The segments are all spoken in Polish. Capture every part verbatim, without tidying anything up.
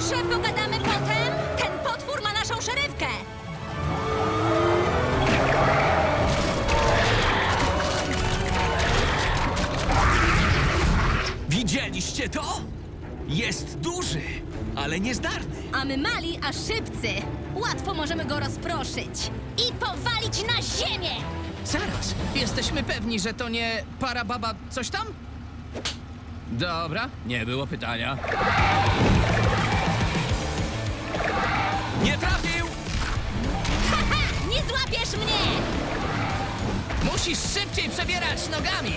Może pogadamy potem? Ten potwór ma naszą szerywkę. Widzieliście to? Jest duży, ale niezdarny. A my mali, a szybcy. Łatwo możemy go rozproszyć. I powalić na ziemię! Zaraz, jesteśmy pewni, że to nie parababa coś tam? Dobra, nie było pytania. Nie trafił! Haha! Nie złapiesz mnie! Musisz szybciej przebierać nogami!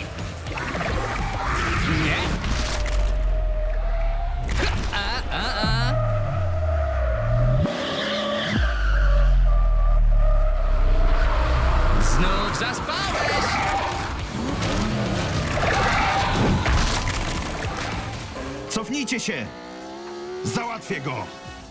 Nie? A, a, a. Znów zaspałeś! Cofnijcie się! Załatwię go!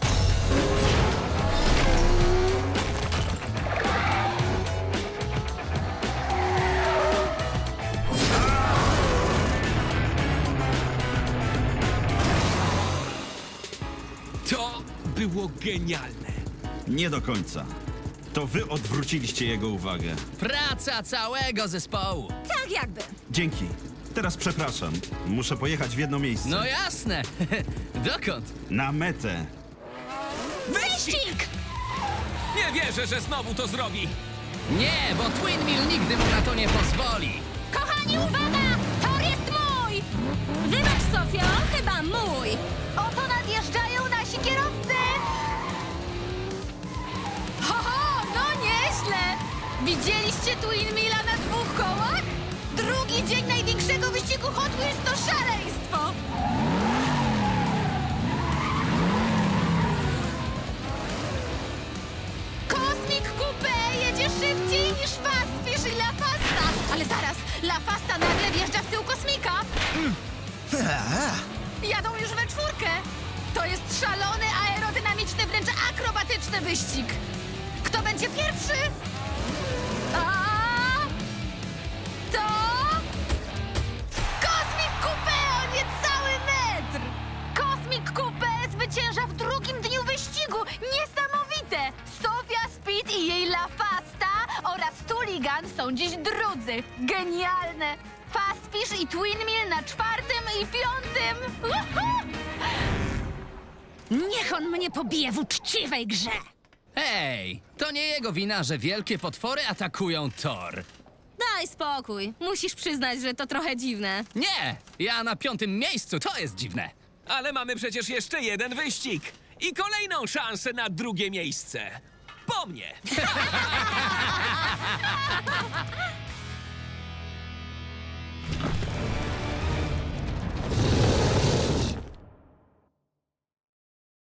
To było genialne. Nie do końca. To wy odwróciliście jego uwagę. Praca całego zespołu. Tak jakby. Dzięki. Teraz przepraszam. Muszę pojechać w jedno miejsce. No jasne. Dokąd? Na metę. Wyścig! Nie wierzę, że znowu to zrobi. Nie, bo Twin Mill nigdy mu na to nie pozwoli. Kochani, uwaga! Tor jest mój! Wybacz, Sofio, chyba mój. Oto nadjeżdżają nasi kierowcy! Ho, ho, no nieźle! Widzieliście Twin Milla na dwóch kołach? Drugi dzień największego wyścigu Hot Wheels to szaleństwo! Kosmik Coupe jedzie szybciej niż Fast Fish i La Fasta! Ale zaraz, La Fasta nagle wjeżdża w tył Kosmika! Jadą już we czwórkę! To jest szalony, aerodynamiczny, wręcz akrobatyczny wyścig! Kto będzie pierwszy? A to... Kosmik Coupe o niecały metr! Kosmik Coupe zwycięża w drugim dniu wyścigu! Niesamowite! Sofia Speed i jej La Fasta oraz Tuligan są dziś drudzy. Genialne! Fast Fish i Twin Mill na czwartym i piątym! Uhu! Niech on mnie pobije w uczciwej grze! Hej, to nie jego wina, że wielkie potwory atakują tor. Daj spokój. Musisz przyznać, że to trochę dziwne. Nie, ja na piątym miejscu, to jest dziwne. Ale mamy przecież jeszcze jeden wyścig. I kolejną szansę na drugie miejsce. Po mnie.